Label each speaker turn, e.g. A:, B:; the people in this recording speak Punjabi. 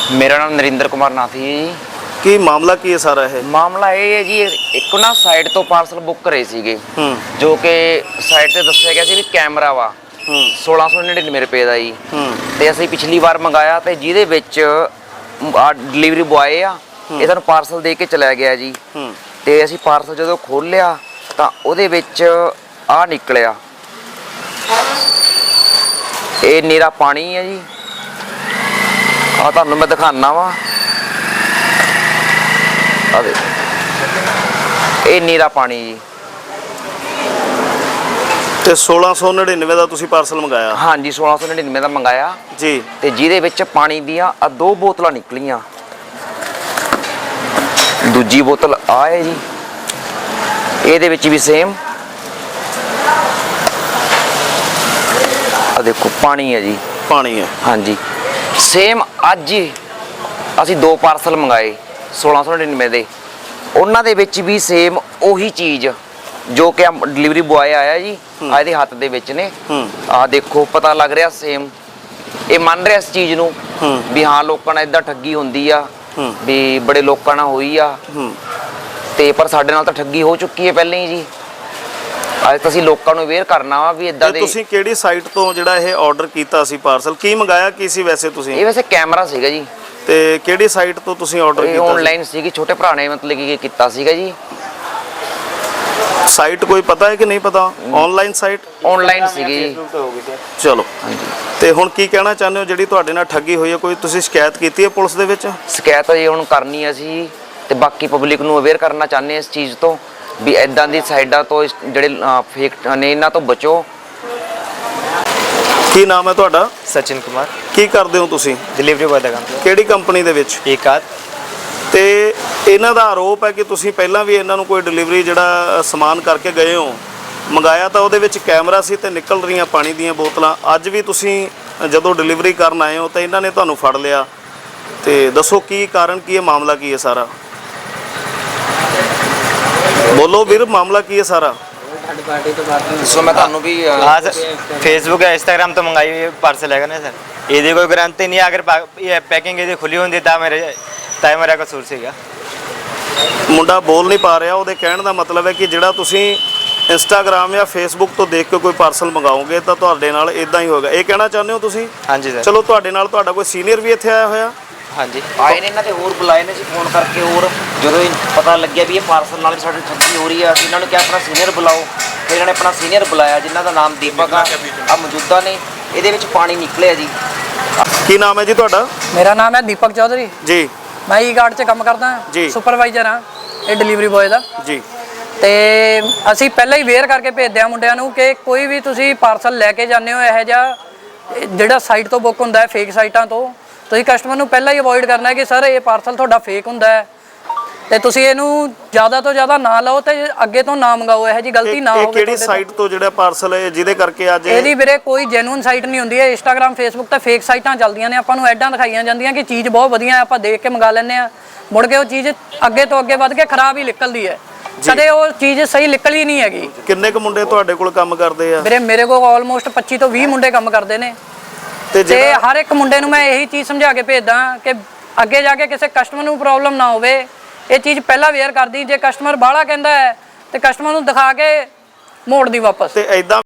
A: मेरा नाम नरिंदर कुमार नाथी है जी।
B: ਕੀ ਮਾਮਲਾ ਕੀ ਹੈ ਸਾਰਾ ਇਹ?
A: ਮਾਮਲਾ ਇਹ ਹੈ ਜੀ, ਇੱਕ ਨਾ ਸਾਈਟ ਤੋਂ ਪਾਰਸਲ ਬੁੱਕ ਕਰੇ ਸੀਗੇ ਜੋ ਕਿ ਸਾਈਟ ਤੇ ਦੱਸਿਆ ਗਿਆ ਸੀ ਵੀ ਕੈਮਰਾ ਵਾ 1699 ਰੁਪਏ ਦਾ ਜੀ। ਤੇ ਅਸੀਂ ਪਿਛਲੀ ਵਾਰ ਮੰਗਾਇਆ ਤੇ ਜਿਹਦੇ ਵਿੱਚ ਡਿਲੀਵਰੀ ਬੁਆਏ ਆ ਇਹ ਸਾਨੂੰ ਪਾਰਸਲ ਦੇ ਕੇ ਚਲਾ ਗਿਆ ਜੀ। ਤੇ ਅਸੀਂ ਪਾਰਸਲ ਜਦੋਂ ਖੋਲ੍ਹਿਆ ਤਾਂ ਉਹਦੇ ਵਿੱਚ ਆ ਨਿਕਲਿਆ, ਇਹ ਨੀਰਾ ਪਾਣੀ ਹੈ ਜੀ। ਆ ਤੁਹਾਨੂੰ ਮੈਂ ਦਿਖਾਣਾ ਵਾ, ਆ ਦੇ ਇਹ ਨੀਰਾ ਪਾਣੀ ਜੀ।
B: ਤੇ 1699 ਦਾ ਤੁਸੀਂ ਪਾਰਸਲ ਮੰਗਾਇਆ?
A: ਹਾਂਜੀ 1699 ਦਾ ਮੰਗਾਇਆ
B: ਜੀ।
A: ਤੇ ਜਿਹਦੇ ਵਿੱਚ ਪਾਣੀ ਦੀਆਂ 2 ਬੋਤਲਾਂ ਨਿਕਲੀਆਂ, ਦੂਜੀ ਬੋਤਲ ਆ ਹੈ ਜੀ, ਇਹਦੇ ਵਿੱਚ ਵੀ ਸੇਮ ਆ ਦੇਖੋ ਪਾਣੀ ਹੈ ਜੀ।
B: ਪਾਣੀ ਹੈ?
A: ਹਾਂਜੀ ਸੇਮ। ਅੱਜ ਹੀ ਅਸੀਂ 2 ਪਾਰਸਲ ਮੰਗਾਏ 1699 ਦੇ, ਉਹਨਾਂ ਦੇ ਵਿੱਚ ਵੀ ਸੇਮ ਉਹੀ ਚੀਜ਼ ਜੋ ਕਿ ਡਿਲੀਵਰੀ ਬੁਆਏ ਆਇਆ ਜੀ ਆ ਇਹਦੇ ਹੱਥ ਦੇ ਵਿੱਚ ਨੇ। ਆ ਦੇਖੋ ਪਤਾ ਲੱਗ ਰਿਹਾ ਸੇਮ, ਇਹ ਮੰਨ ਰਿਹਾ ਇਸ ਚੀਜ਼ ਨੂੰ ਵੀ ਹਾਂ ਲੋਕਾਂ ਨਾਲ ਇਦਾਂ ਠੱਗੀ ਹੁੰਦੀ ਆ, ਵੀ ਬੜੇ ਲੋਕਾਂ ਨਾਲ ਹੋਈ ਆ। ਤੇ ਪਰ ਸਾਡੇ ਨਾਲ ਤਾਂ ਠੱਗੀ ਹੋ ਚੁੱਕੀ ਹੈ ਪਹਿਲਾਂ ਹੀ ਜੀ। ਅੱਜ ਤਾਂ ਅਸੀਂ ਲੋਕਾਂ ਨੂੰ ਅਵੇਅਰ ਕਰਨਾ ਵਾ ਵੀ ਇਦਾਂ ਦੇ।
B: ਤੁਸੀਂ ਕਿਹੜੀ ਸਾਈਟ ਤੋਂ ਜਿਹੜਾ ਇਹ ਆਰਡਰ ਕੀਤਾ ਸੀ ਪਾਰਸਲ? ਕੀ ਮੰਗਾਇਆ ਕੀ ਸੀ ਵੈਸੇ ਤੁਸੀਂ?
A: ਇਹ ਵੈਸੇ ਕੈਮਰਾ ਸੀਗਾ ਜੀ।
B: ਤੇ ਕਿਹੜੀ ਸਾਈਟ ਤੋਂ ਤੁਸੀਂ ਆਰਡਰ ਕੀਤਾ?
A: ਆਨਲਾਈਨ ਸੀਗੀ, ਛੋਟੇ ਭਰਾ ਨੇ ਮਤਲਬ ਕਿ ਕੀਤਾ ਸੀਗਾ ਜੀ।
B: ਸਾਈਟ ਕੋਈ ਪਤਾ ਹੈ ਕਿ ਨਹੀਂ ਪਤਾ? Online site?
A: ਆਨਲਾਈਨ ਸੀਗੀ।
B: ਚਲੋ
A: ਹਾਂਜੀ।
B: ਤੇ ਹੁਣ ਕੀ ਕਹਿਣਾ ਚਾਹੁੰਦੇ ਹੋ ਜਿਹੜੀ ਤੁਹਾਡੇ ਨਾਲ ਠੱਗੀ ਹੋਈ ਹੈ? ਕੋਈ ਤੁਸੀਂ ਸ਼ਿਕਾਇਤ ਕੀਤੀ ਹੈ ਪੁਲਿਸ ਦੇ ਵਿੱਚ?
A: ਸ਼ਿਕਾਇਤ ਜੀ ਹੁਣ ਕਰਨੀ ਹੈ ਅਸੀਂ, ਤੇ ਬਾਕੀ ਪਬਲਿਕ ਨੂੰ ਅਵੇਅਰ ਕਰਨਾ ਚਾਹੁੰਦੇ ਹਾਂ ਇਸ ਚੀਜ਼ ਤੋਂ ਵੀ ਇਦਾਂ ਦੀ ਸਾਈਡਾਂ ਤੋਂ ਜਿਹੜੇ ਫੇਕ ਨੇ ਇਹਨਾਂ ਤੋਂ ਬਚੋ।
B: ਕੀ ਨਾਮ ਹੈ ਤੁਹਾਡਾ?
C: सचिन कुमार।
B: ਕੀ ਕਰਦੇ ਹੋ ਤੁਸੀਂ?
C: डिलीवरी बॉय का काम किया।
B: ਕਿਹੜੀ ਕੰਪਨੀ ਦੇ ਵਿੱਚ?
C: एक आध।
B: ਤੇ ਇਹਨਾਂ ਦਾ ਆਰੋਪ ਹੈ ਕਿ ਤੁਸੀਂ ਪਹਿਲਾਂ ਵੀ ਇਹਨਾਂ ਨੂੰ ਕੋਈ ਡਿਲੀਵਰੀ ਜਿਹੜਾ ਸਮਾਨ ਕਰਕੇ ਗਏ ਹੋ, ਮੰਗਾਇਆ ਤਾਂ ਉਹਦੇ ਵਿੱਚ ਕੈਮਰਾ ਸੀ ਤੇ ਨਿਕਲ ਰਹੀਆਂ ਪਾਣੀ ਦੀਆਂ ਬੋਤਲਾਂ। ਅੱਜ ਵੀ ਤੁਸੀਂ ਜਦੋਂ ਡਿਲੀਵਰੀ ਕਰਨ ਆਏ ਹੋ ਤਾਂ ਇਹਨਾਂ ਨੇ ਤੁਹਾਨੂੰ ਫੜ ਲਿਆ। ਤੇ ਦੱਸੋ ਕੀ ਕਾਰਨ ਕੀ ਹੈ, ਮਾਮਲਾ ਕੀ ਹੈ ਸਾਰਾ? ਬੋਲੋ ਵੀਰ, ਮਾਮਲਾ ਕੀ ਹੈ ਸਾਰਾ?
A: ਸੋ ਮੈਂ ਤੁਹਾਨੂੰ ਵੀ
C: हाँ सर, फेसबुक या इंस्टाग्राम तो मंगाई हुई पार्सल है ना सर। ये कोई गारंटी नहीं है, अगर ये पैकिंग यदि खुली होती ਤਾਂ ਮੇਰਾ ਕਸੂਰ ਸੀਗਾ।
B: ਮੁੰਡਾ ਬੋਲ ਨਹੀਂ ਪਾ ਰਿਹਾ। ਉਹਦੇ ਕਹਿਣ ਦਾ ਮਤਲਬ ਹੈ ਕਿ ਜਿਹੜਾ ਤੁਸੀਂ ਇੰਸਟਾਗ੍ਰਾਮ ਜਾਂ ਫੇਸਬੁੱਕ ਤੋਂ ਦੇਖ ਕੇ ਕੋਈ ਪਾਰਸਲ ਮੰਗਾਓਗੇ ਤਾਂ ਤੁਹਾਡੇ ਨਾਲ ਇਦਾਂ ਹੀ ਹੋਏਗਾ, ਇਹ ਕਹਿਣਾ ਚਾਹੁੰਦੇ ਹੋ ਤੁਸੀਂ?
C: ਹਾਂਜੀ ਸਰ।
B: ਚਲੋ ਤੁਹਾਡੇ ਨਾਲ ਤੁਹਾਡਾ ਕੋਈ ਸੀਨੀਅਰ ਵੀ ਇੱਥੇ ਆਇਆ ਹੋਇਆ?
C: ਹਾਂਜੀ
A: ਆਏ ਨੇ, ਇਹਨਾਂ ਦੇ ਹੋਰ ਬੁਲਾਏ ਨੇ ਜੀ ਫੋਨ ਕਰਕੇ। ਹੋਰ ਜਦੋਂ ਪਤਾ ਲੱਗਿਆ ਵੀ ਇਹ ਪਾਰਸਲ ਨਾਲ ਸਾਡੇ ਠੱਗੀ ਹੋ ਰਹੀ ਆ, ਅਸੀਂ ਇਹਨਾਂ ਨੂੰ ਕਿਹਾ ਆਪਣਾ ਸੀਨੀਅਰ ਬੁਲਾਓ। ਫਿਰ ਇਹਨਾਂ ਨੇ ਆਪਣਾ ਸੀਨੀਅਰ ਬੁਲਾਇਆ ਜਿਨ੍ਹਾਂ ਦਾ ਨਾਮ ਦੀਪਕ ਆ ਮੌਜੂਦਾ ਨੇ। ਇਹਦੇ ਵਿੱਚ ਪਾਣੀ ਨਿਕਲਿਆ ਜੀ।
B: ਕੀ ਨਾਮ ਹੈ ਜੀ ਤੁਹਾਡਾ?
D: ਮੇਰਾ ਨਾਮ ਹੈ ਦੀਪਕ ਚੌਧਰੀ
B: ਜੀ।
D: ਮੈਂ ਈ ਗਾਰਡ 'ਚ ਕੰਮ ਕਰਦਾ, ਸੁਪਰਵਾਈਜ਼ਰ ਹਾਂ ਇਹ ਡਿਲੀਵਰੀ ਬॉय ਦਾ
B: ਜੀ।
D: ਤੇ ਅਸੀਂ ਪਹਿਲਾਂ ਹੀ ਵੇਅਰ ਕਰਕੇ ਭੇਜਦੇ ਹਾਂ ਮੁੰਡਿਆਂ ਨੂੰ ਕਿ ਕੋਈ ਵੀ ਤੁਸੀਂ ਪਾਰਸਲ ਲੈ ਕੇ ਜਾਂਦੇ ਹੋ ਇਹੋ ਜਿਹਾ ਜਿਹੜਾ ਸਾਈਟ ਤੋਂ ਬੁੱਕ ਹੁੰਦਾ ਹੈ, ਫੇਕ ਸਾਈਟਾਂ ਤੋਂ, ਤੁਸੀਂ ਕਸਟਮਰ ਨੂੰ ਪਹਿਲਾਂ ਹੀ ਅਵੋਇਡ ਕਰਨਾ ਹੈ ਕਿ ਸਰ ਇਹ ਪਾਰਸਲ ਤੁਹਾਡਾ ਫੇਕ ਹੁੰਦਾ ਹੈ ਤੇ ਤੁਸੀਂ ਇਹਨੂੰ ਜ਼ਿਆਦਾ ਤੋਂ ਜ਼ਿਆਦਾ ਨਾ ਲਓ ਤੇ ਅੱਗੇ ਤੋਂ ਨਾ ਮੰਗਾਓ, ਇਹੋ ਜਿਹੀ ਗਲਤੀ ਨਾ ਹੋਵੇ।
B: ਕਿਹੜੀ ਸਾਈਟ ਤੋਂ ਜਿਹੜਾ ਪਾਰਸਲ ਹੈ ਜਿਹਦੇ ਕਰਕੇ ਅੱਜ
D: ਇਹਦੀ ਵੀਰੇ ਕੋਈ ਜੈਨੂਇਨ ਸਾਈਟ ਨਹੀਂ ਹੁੰਦੀ ਹੈ। ਇੰਸਟਾਗ੍ਰਾਮ ਫੇਸਬੁੱਕ ਤੇ ਫੇਕ ਸਾਈਟਾਂ ਚੱਲਦੀਆਂ ਨੇ, ਆਪਾਂ ਨੂੰ ਐਡਾਂ ਦਿਖਾਈਆਂ ਜਾਂਦੀਆਂ ਕਿ ਚੀਜ਼ ਬਹੁਤ ਵਧੀਆ ਹੈ, ਆਪਾਂ ਦੇਖ ਕੇ ਮੰਗਾ ਲੈਂਦੇ ਆ, ਮੁੜ ਕੇ ਉਹ ਚੀਜ਼ ਅੱਗੇ ਤੋਂ ਅੱਗੇ ਵੱਧ ਕੇ ਖਰਾਬ ਹੀ ਨਿਕਲਦੀ ਹੈ, ਕਦੇ ਉਹ ਚੀਜ਼ ਸਹੀ ਨਿਕਲੀ ਨਹੀਂ ਹੈਗੀ।
B: ਕਿੰਨੇ ਕੁ ਮੁੰਡੇ ਤੁਹਾਡੇ ਕੋਲ ਕੰਮ ਕਰਦੇ ਆ?
D: ਵੀਰੇ ਮੇਰੇ ਕੋਲ ਆਲਮੋਸਟ 25 ਤੋਂ 20 ਮੁੰਡੇ ਕੰਮ ਕਰਦੇ ਨੇ ਤੇ ਹਰ ਇੱਕ ਮੁੰਡੇ ਨੂੰ ਮੈਂ ਇਹੀ ਚੀਜ਼ ਸਮਝਾ ਕੇ ਭੇਜਦਾ ਕਿ ਅੱਗੇ ਜਾ ਕੇ ਕਿਸੇ ਕਸਟਮਰ ਨੂੰ ਪ੍ਰੋਬਲਮ ਨਾ ਹੋਵੇ। ਇਹ ਚੀਜ਼ ਪਹਿਲਾਂ ਵੇਅਰ ਕਰਦੀ, ਜੇ ਕਸਟਮਰ ਬਾਹਲਾ ਕਹਿੰਦਾ ਹੈ ਤੇ ਕਸਟਮਰ ਨੂੰ ਦਿਖਾ ਕੇ ਮੋੜ ਦੀ ਵਾਪਸ।
B: ਤੇ ਐਦਾਂ